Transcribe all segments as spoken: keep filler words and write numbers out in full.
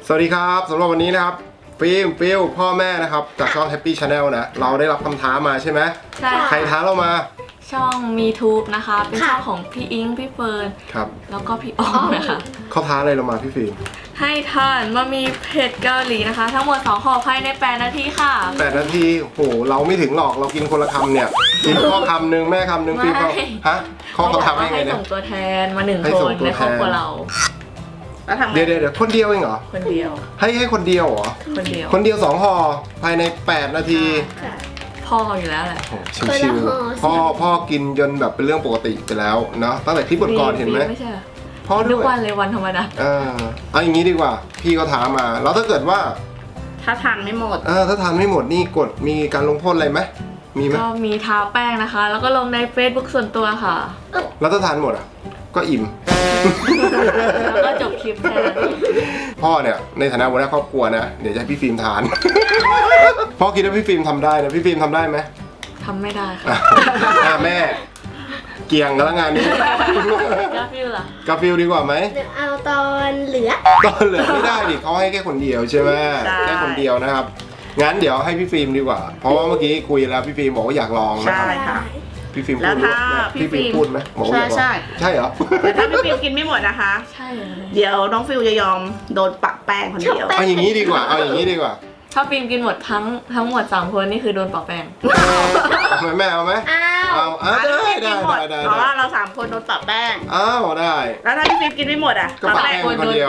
สวัสดีครับสำหรับวันนี้นะครับฟิล์มฟิลพ่อแม่นะครับจากช่อง Happy Channel นะเราได้รับคำท้ามาใช่ไหมใช่ใครท้าเรามาช่อง MeTube นะคะเป็นช่องของพี่อิงพี่เฟิร์นครับแล้วก็พี่อ้อมนะคะเขาท้าอะไรเรามาพี่ฟิล์มให้ทานมามีเผ็ดเกาหลีนะคะทั้งหมดสองห่อภายในแปดนาทีค่ะแปดนาทีโหเราไม่ถึงหรอกเรากินคนละคำเนี่ยกินพ่อคำหนึ่งแม่คำหนึ่งฟิล์มเขาฮะเขาเขาทำให้ไงเนี่ยให้ส่งตัวแทนมาหนึ่งคนในครอบครัวเราเดี๋ยวเดี๋ยวคนเดียวเองเหรอคนเดียวให้ให้คนเดียวเหรอคนเดียวคนเดียวสองห่อภายในแปดนาทีพ่ออยู่แล้วแหละชิวๆพ่อพ่อกินจนแบบเป็นเรื่องปกติไปแล้วเนาะตั้งแต่คลิปก่อนเห็นไหมไม่ใช่พ่อทุกวันเลยวันธรรมดาเออเอาอย่างนี้ดีกว่าพี่ก็ถามมาแล้วถ้าเกิดว่าถ้าทานไม่หมดเออถ้าทานไม่หมดนี่กดมีการลงโทษอะไรไหมมีไหมก็มีทาแป้งนะคะแล้วก็ลงใน Facebook ส่วนตัวค่ะแล้วถ้าทานหมดอ่ะก็อิ่มแล้วก็จบคลิปแค่นั้นพ่อเนี่ยในฐานะหัวหน้าครอบครัวนะเดี๋ยวจะให้พี่ฟิล์มทานพ่อคิดว่าพี่ฟิล์มทำได้นะพี่ฟิล์มทำได้ไหมทำไม่ได้ค่ะแม่เกี่ยงกันแล้วงานนี้กาฟิลล่ะกาฟิลดีกว่าไหมเอาตอนเหลือตอนเหลือไม่ได้ดิเขาให้แค่คนเดียวใช่ไหมแค่คนเดียวนะครับงั้นเดี๋ยวให้พี่ฟิล์มดีกว่าเพราะว่าเมื่อกี้คุยแล้วพี่ฟิล์มบอกว่าอยากลองนะใช่ค่ะพี่ฟิล์มพูดไหมพี่ฟิล์มพูดไหมใช่ใช่ใช่เหรอแต่ถ้าพี่ฟิล์มกินไม่หมดนะคะใช่เดี๋ยวน้องฟิลจะยอมโดนปักแป้งคนเดียวเอาอย่างนี้ดีกว่าเอาอย่างนี้ดีกว่าถ้าฟิล์มกินหมดทั้งทั้งหมดสามคนนี่คือโดนปักแป้งไม่แม่เอาไหมเอาเอาได้ได้ได้ได้เพราะว่าเราสามคนโดนปักแป้งอ้าวได้แล้วถ้าพี่ฟิล์มกินไม่หมดอ่ะก็ปักแป้งคนเดียว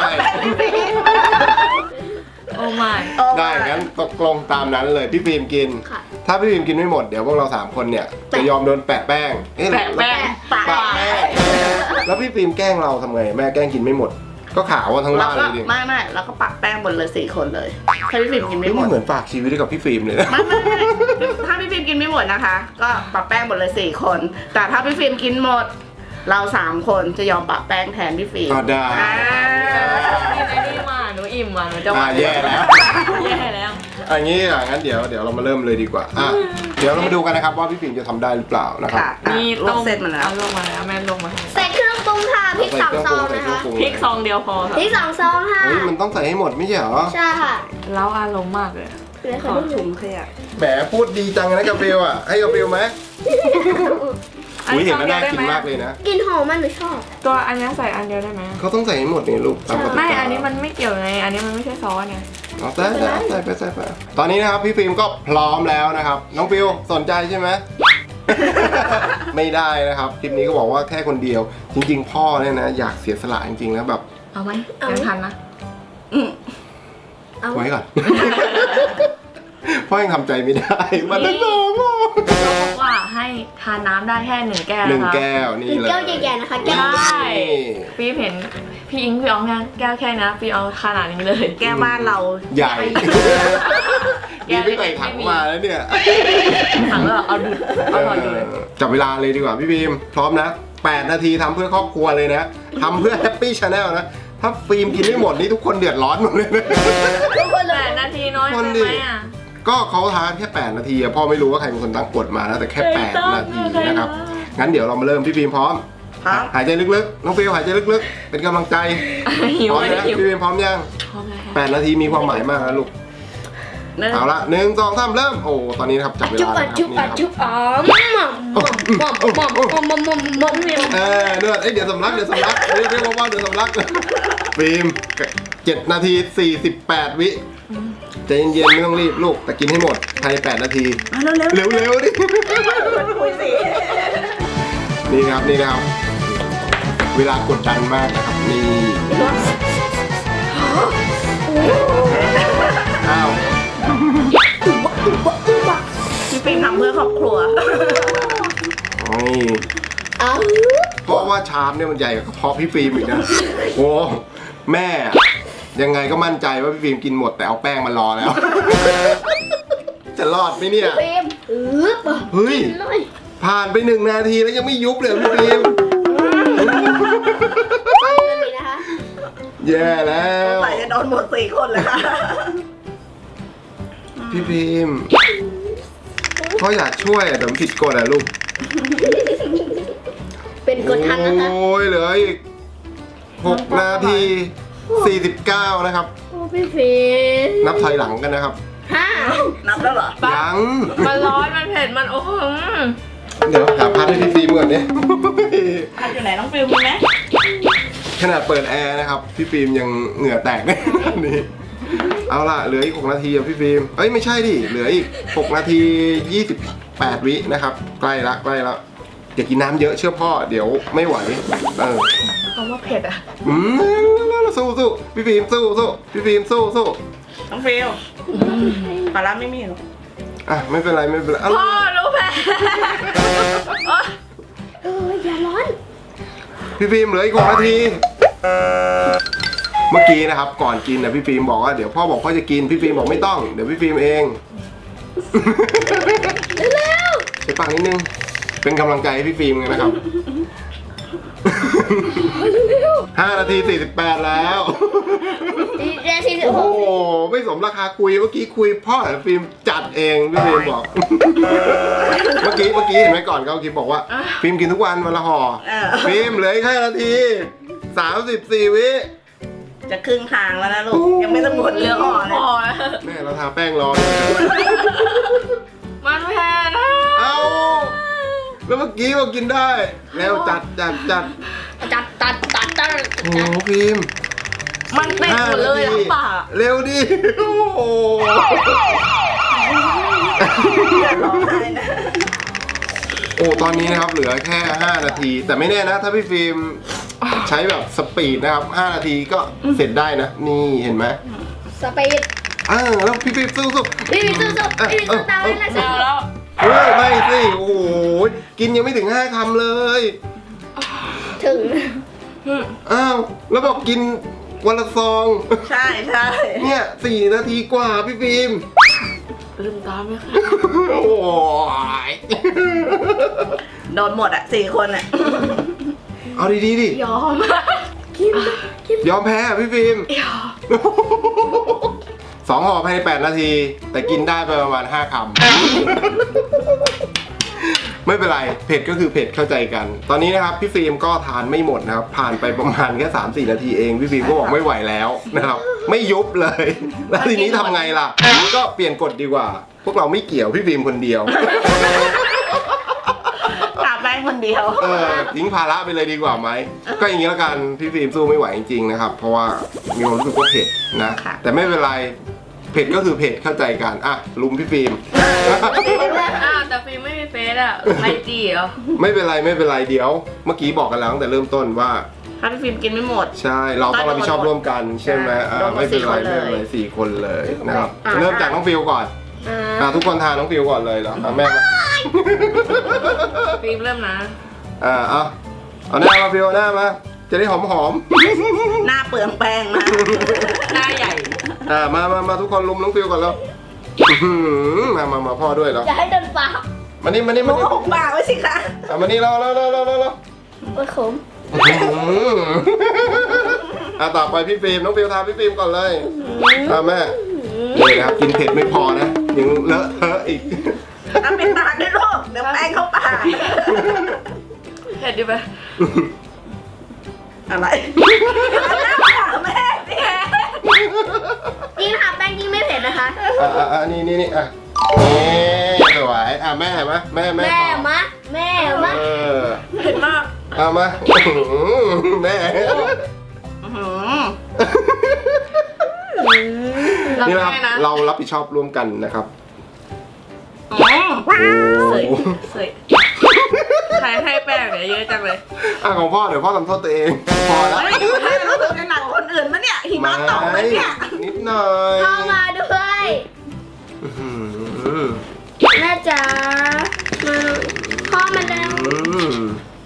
โอ้ไม่ได้งั้นตกลงตามนั้นเลยพี่ฟิล์มกินถ้าพี่ฟิล์มกินไม่หมดเดี๋ยวพวกเราสามคนเนี่ยจะยอมโดนแปะแป้งแปะแป้งปะแป้งแล้วพี่ฟิล์มแกล้งเราทำไงแม่แกล้งกินไม่หมดก็ขาวทั้งร้านเลยดิไม่ไม่แล้วก็ปักแป้งหมดเลยสี่คนเลยถ้าพี่ฟิล์มกินไม่หมดเหมือนฝากชีวิตกับพี่ฟิล์มเลยไม่ไม่ถ้าพี่ฟิล์มกินไม่หมดนะคะก็ปักแป้งหมดเลยสี่คนแต่ถ้าพี่ฟิล์มกินหมดเราสามคนจะยอมปักแป้งแทนพี่ฟิล์มได้นี่มาหนูอิ่มอ่ะหนูจะว่าแย่แล้วแย่แล้วอันนี้อ่ะงั้นเดี๋ยวเดี๋ยวเรามาเริ่มเลยดีกว่าอ่ะเดี๋ยวเรามาดูกันนะครับว่าพี่ฟิล์มจะทำได้หรือเปล่านะครับมีต้มเสร็จมาแล้วลงมาแล้วแม่ลงมาใส่เครื่องปรุงค่ะพริกสองซองนะคะพริกซองเดียวพอค่ะพริกสองซองค่ะเฮ้ยมันต้องใส่ให้หมดไม่ใช่เหรอใช่ค่ะแล้วอารมณ์มากเลยขอถุงขยะแหมพูดดีจังนะกาฟิลอ่ะให้กาฟิลไหมอุ้ยเห็นแล้วน่ากินมากเลยนะกินหอมมันหนูชอบตัวอันนี้ใส่อันเดียวได้ไหมเขาต้องใส่ให้หมดนี่ลูกไม่อันนี้มันไม่เกี่ยวไงอันนี้มันไม่ใช่ซอสไงเอาใส่ใส่ใส่ไปใส่ไปตอนนี้นะครับพี่ฟิล์มก็พร้อมแล้วนะครับน้องฟิลสนใจใช่ไหมไม่ได้นะครับคลิปนี้ก็บอกว่าแค่คนเดียวจริงๆพ่อเนี่ยนะอยากเสียสละจริงๆแล้วแบบเอาไหมยังทันนะไว้ก่อนพ่อยังทำใจไม่ได้มันต้องรอพ่อบอกว่าให้ทานน้ำได้แค่หนึ่งแก้วหนึ่งแก้วนี่เลยแก้วใหญ่ๆนะคะแก้วใช่พี่เห็นพี่อิงพี่อองนะแก้วแค่นะพี่เอาขนาดนี้เลยแก้วบ้านเราใหญ่ดีไม่ใส่ถังมาแล้วเนี่ยถังแล้วเอาดูเอาถอดดูเลยจับเวลาเลยดีกว่าพี่บีมพร้อมนะแปดนาทีทำเพื่อครอบครัวเลยนะทำเพื่อ Happy Channel นะถ้าฟิล์มกินไม่หมดนี่ทุกคนเดือดร้อนหมดเลยทุกคนแปดนาทีน้อยไปไหมอ่ะก็เขาทานแค่แปดนาทีพ่อไม่รู้ว่าใครเป็นคนตั้งกฎมานะแต่แค่แปดนาทีนะครับงั้นเดี๋ยวเรามาเริ่มพี่ฟิล์มพร้อมหายใจลึกๆน้องฟิล์มหายใจลึกๆเป็นกำลังใจพร้อมนะพี่ฟิล์มพร้อมยังแปดนาทีมีความหมายมากนะลูกเอาละหนึ่งสองสามเริ่มโอ้ตอนนี้นะครับจับเวลาแล้วจุ๊บจุ๊บจุ๊บอ๋อมอมมอมมอมมอมมอมมอมมอมเนี่ยเออเดือดเดี๋ยวสำลักเดี๋ยวสำลักเรียกเรียกว่าเดี๋ยวสำลักฟิล์มเจ็ดนาทีสี่สิบแปดวิใจเย็นๆไม่ต้องรีบลูกแต่กินให้หมดภายในแปดนาทีเร็วๆเร็วๆดินี่ครับนี่ครับเวลากดดันมากนะครับนี่อ้าวพี่ฟิล์มทำเพื่อครอบครัวเพราะว่าชามเนี่ยมันใหญ่กว่าเพาะพี่ฟิล์มอีกนะโอ้แม่ยังไงก็มั่นใจว่าพี่ฟิล์มกินหมดแต่เอาแป้งมารอแล้วจะรอดไหมเนี่ยเฮ้ยผ่านไปหนึ่งนาทีแล้วยังไม่ยุบเลยพี่ฟิล์มแย่แล้วใส่จะโดนหมดสี่คนเลยค่ะพี่ฟิล์มเขาอยากช่วยแต่ผิดกฎอะลูกเป็นกฎทันนะคะโอ้ยเหลืออีกหกนาทีสี่สิบเก้านะครับพี่ฟิล์มนับถอยหลังกันนะครับห้านับแล้วเหรอยังมันร้อนมันเผ็ดมันโอ้โหเดี๋ยวหาพัดให้พี่ฟิล์มก่อนเนี่ยพัดอยู่ไหนน้องฟิลมีไหมขนาดเปิดแอร์นะครับพี่ฟิล์มยังเหงื่อแตกเลยนี่เอาล่ะเหลืออีกหกนาทีอ่ะพี่ฟิล์มเอ้ยไม่ใช่ดิเหลืออีกหกนาทียี่สิบแปดวินะครับใกล้ละใกล้ละอย่ากินน้ำเยอะเชื่อพ่อเดี๋ยวไม่ไหวเออคำว่าเผ็ดอ่ะอืมสู้สู้พี่ฟิล์มสู้สู้พี่ฟิล์มสู้สู้น้องฟิลปลาร้าไม่มีหรออ่ะไม่เป็นไรไม่เป็นไรเอาพ่อรู้แพ้เอออย่าร้อนพี่ฟิล์มเหลืออีกหกนาที เมื่อกี้นะครับก่อนกินนะพี่ฟิล์มบอกว่าเดี๋ยวพ่อบอกพ่อจะกินพี่ฟิล์มบอกไม่ต้องเดี๋ยวพี่ฟิล์มเองเร็วใช้ปากนิดนึงเป็นกำลังใจให้พี่ฟิล์มกันนะครับ ห้านาทีสี่สิบแปดแล้วสี่เจ็ดสี่สิบโอ้หโหกไม่สมราคาคุยเมื่อกี้คุยพ่อแต่ฟิล์มจัดเองพี่ฟิล์มบอก เมื่อกี้เมื่อกี้เห็นไหมก่อนเขาคิดบอกว่าฟิล์มกินทุกวันวันละห่อเออฟิล์มเหลืออีกแค่นาทีสามสิบสี่วิจะครึ่งทางแล้วนะลูก ยังไม่ต้องหมดเรื่องอ่อนพเลยอแล้วแม่เราทาแป้งรอเลยมันเผ็ดนะเอ้าแล้วเมื่อกี้บอกกินได้แล้วจัดจัดจัดจัดตัดตัดตัดโอ้โหฟิล์มมันติดหมดเลยทั้งปากเร็วดิโอ้โหร้องไห้นะโอ้ตอนนี้นะครับเหลือแค่ห้านาที แต่ไม่แน่นะถ้าพี่ฟิล์มใช้แบบสปีดนะครับห้านาทีก็เสร็จได้นะนี่เห็นไหมสปีดเออแล้วพี่ฟิล์มสู้สู้พี่ฟิล์มสู้ๆพี่ฟิล์มสู้ตามเลยนะเอาแล้วเฮ้ยไม่สิโอ้โหกินยังไม่ถึงห้าคำเลยถึงอ้าวแล้วบอกกินวันละซองใช่ใช่เนี่ยสี่นาทีกว่าพี่ฟิล์มลืมตาไหมคะโอ้ยโดนหมดอ่ะสี่คนอ่ะเอาดีๆดิยอมยอมแพ้อะพี่ฟิล์มยอมสองห่อภายในแปดนาที แต่กินได้ไปประมาณห้าคำ ไม่เป็นไรเผ็ดก็คือเผ็ดเข้าใจกัน ตอนนี้นะครับพี่ฟิล์มก็ทานไม่หมดนะครับผ่านไปประมาณแค่สามสี่นาทีเองพี่ฟิล์มก็บอกไม่ไหวแล้วนะครับไม่ยุบเลย แล้วทีนี้ทำไงล่ะ ก็เปลี่ยนกฎดีกว่า พวกเราไม่เกี่ยวพี่ฟิล์มคนเดียวตาแป้งคนเดียวเออทิ้งภาระไปเลยดีกว่าไหมก็อย่างนี้แล้วกันพี่ฟิล์มสู้ไม่ไหวจริงๆนะครับเพราะว่ามีความรู้สึกว่าเผ็ดนะค่ะแต่ไม่เป็นไรเผ็ดก็คือเผ็ดเข้าใจกันอ่ะลุมพี่ฟิล์มอ้าวแต่ฟิล์มไม่มีเฟซอ่ะไอจีเหรอไม่เป็นไรไม่เป็นไรเดี๋ยว เมื่อกี้บอกกันแล้วตั้งแต่เริ่มต้นว่าถ้าพี่ฟิล์มกินไม่หมดใช่เราต้องรับผิดชอบร่วมกันใช่ไหมอ่าโดนหมดไม่เป็นไรสี่คนเลยไม่เป็นไรสี่คนเลยนะครับอ่าเริ่มจากน้องฟิลก่อนอ่าอ่าทุกคนทานน้องฟิลก่อนเลยเหรออ่ะแม่มาฟิล์มเริ่มนะอ่าเอาเอาหน้ามาฟิลเอาหน้ามาจะได้หอมหอมหน้าเปลืองแป้งนะหน้าใหญ่ๆอ่ามามามาทุกคนลุมน้องฟิลก่อนแล้วอื้อหือมามามาพ่อด้วยเหรออย่าให้โดนปากมานี่มานี่หมูมานี่หกปากไว้สิคะอ่ะมานี่เราเราเราเราเราโอ้ยขมอ่ะต่อไปพี่ฟิล์มน้องฟิลทานพี่ฟิล์มก่อนเลยอ่ะแม่นี่นะครับกินเผ็ดไม่พอนะยังเลอะเทอะอีกเอาเป็นปากด้วยลูกเดี๋ยวแป้งเข้าปากเผ็ดดิไปอะไรหน้าปากแม่สิยิ่งทาแป้งยิ่งไม่เผ็ดนะคะอ่ะอ่ะอ่ะนี่นี่นี่อ่ะนี่สวยอ่ะแม่เห็นไหมแม่แม่แม่ต่อมะแม่มะเออเผ็ดมากเอามาอื้อหือแม่อื้อหือรับนี่นะครับได้นะเรารับผิดชอบร่วมกันนะครับอืมโอ้เสยเสยใครให้แป้งเนี่ยเยอะจังเลยอ่ะของพ่อเดี๋ยวพ่อทำโทษตัวเองพอแล้วเฮ้ยให้รู้สึกในหนังคนอื่นมะเนี่ยหิมะตกไหมเนี่ยนิดหน่อยเข้ามาด้วยอื้อหือแม่จ๋ามาพ่อมาแล้วอืม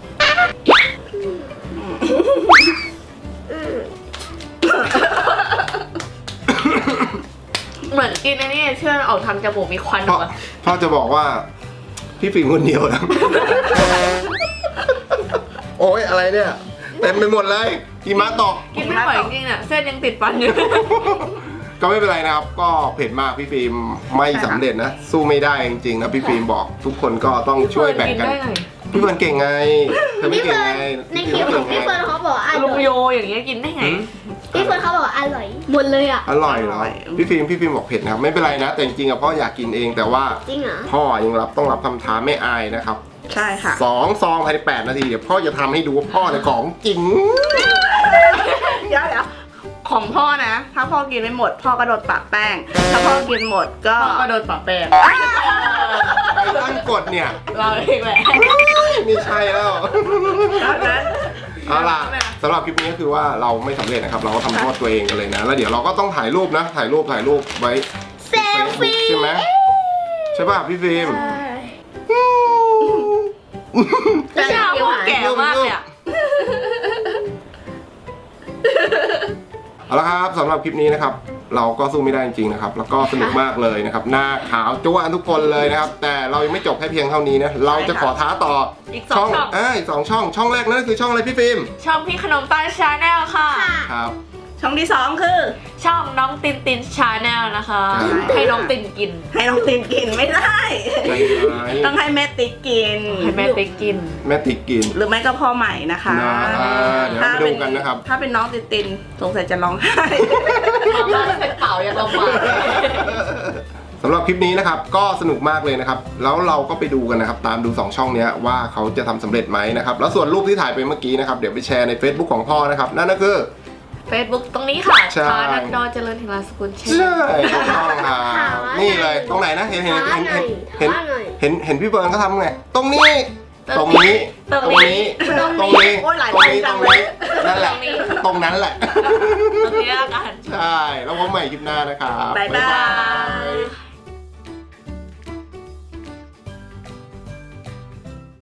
เหมือนกินอันนี้เชื่อออกทางจมูกมีควันอพ่ออกมาพ่อจะบอกว่า พี่ฟิล์มคนเดียวนะ โอ้ยอะไรเนี่ยเต็มไปหมดเลยหิมะตกกินไม่ไหวจริงๆเนี่ยเส้นยังติดฟันอยู่ก็ไม่เป็นไรนะครับ ก็เผ็ดมากพี่ฟิล์มไม่สำเร็จนะ สู้ไม่ได้จริงๆนะพี่ฟิล์มบอก ทุกคนก็ต้องช่วยแบ่งกันได้ไงพี่เฟิร์นเก่งไงเธอไม่พี่เก่งเฟิร์นไงในคลิปของพี่เฟิร์นเขาบอกอ่ะลุงโยอย่างเงี้ยกินได้ไงหืมพี่เฟิร์นเขาบอกว่าอร่อยหมดเลยอ่ะอร่อยเหรอพี่ฟิล์มพี่ฟิล์มบอกเผ็ดนะครับไม่เป็นไรนะ แต่จริงๆอะพ่ออยากกินเองแต่ว่าจริงเหรอพ่อยังรับต้องรับคำท้าไม่อายนะครับใช่ค่ะสองซองภายในแปดนาทีเดี๋ยวพ่อจะทำให้ดูว่าพ่อเนี่ยของจริงเดี๋ยวเดี๋ยวของพ่อนะ ถ้าพ่อกินไม่หมด พ่อก็โดนปะแป้ง ถ้าพ่อกินหมดก็พ่อก็โดนปะแป้งไอ้ตั้งกฎเนี่ยเราเองแหละไม่ใช่แล้วแล้วนั้นเอาล่ะสำหรับคลิปนี้ก็คือว่าเราไม่สำเร็จนะครับเราก็ทำโทษตัวเองกันเลยนะแล้วเดี๋ยวเราก็ต้องถ่ายรูปนะถ่ายรูปถ่ายรูปไว้เซลฟี่ใช่ไหมใช่ป่ะพี่ฟิล์มแต่ชาวพวกแก่มากเลยอะเอาละครับสำหรับคลิปนี้นะครับ เราก็สู้ไม่ได้จริงๆนะครับแล้วก็สนุกมากเลยนะครับหน้าขาวจ้วะทุกคนเลยนะครับ แต่เรายังไม่จบแค่เพียงเท่านี้นะเราจะขอท้าต่ออีกสองช่องเอ้ยสองช่องช่องแรกนั่นก็คือช่องอะไรพี่ฟิล์มช่องพี่ขนมปังชาแนลค่ะครับช่องที่สองคือช่องน้องตินตินชาแนลนะคะใช่ให้น้องตินกินให้น้องตินกินไม่ได้ใจร้ายต้องให้แม่ติ๊กกินให้แม่ติ๊กกินแม่ติ๊กกินหรือไม่ก็พ่อใหม่นะคะนะอ่าเดี๋ยวเราไปดูกันนะครับถ้าเป็นน้องตินตินสงสัยจะร้องไห้เราก็เป็นเป่ายังลำบากสำหรับคลิปนี้นะครับก็สนุกมากเลยนะครับแล้วเราก็ไปดูกันนะครับตามดูสองช่องเนี้ยว่าเขาจะทำสำเร็จไหมนะครับแล้วส่วนรูปที่ถ่ายไปเมื่อกี้นะครับเดี๋ยวไปแชร์ใน Facebook ของพ่อนะครับนั่นก็คือ Facebook ตรงนี้ค่ะใช่ชาดันดอเจริญธิราสกุลเชนใช่ถูกต้องครับนี่เลยตรงไหนนะเห็นเห็นเห็นเห็นเห็นท้าหน่อยเห็นเห็นพี่เบิร์นเขาทำไงตรงนี้ตรงนี้ตรงตรงนี้นี้ตรงนี้โอ้ยหลายตรงนี้ตตรรง งเลนี้ยนั่นแหละตรงนั้นแหละตรงนี้ละกันใช่แล้วพบใหม่คลิปหน้านะครับบ๊ายบายบ๊ายบาย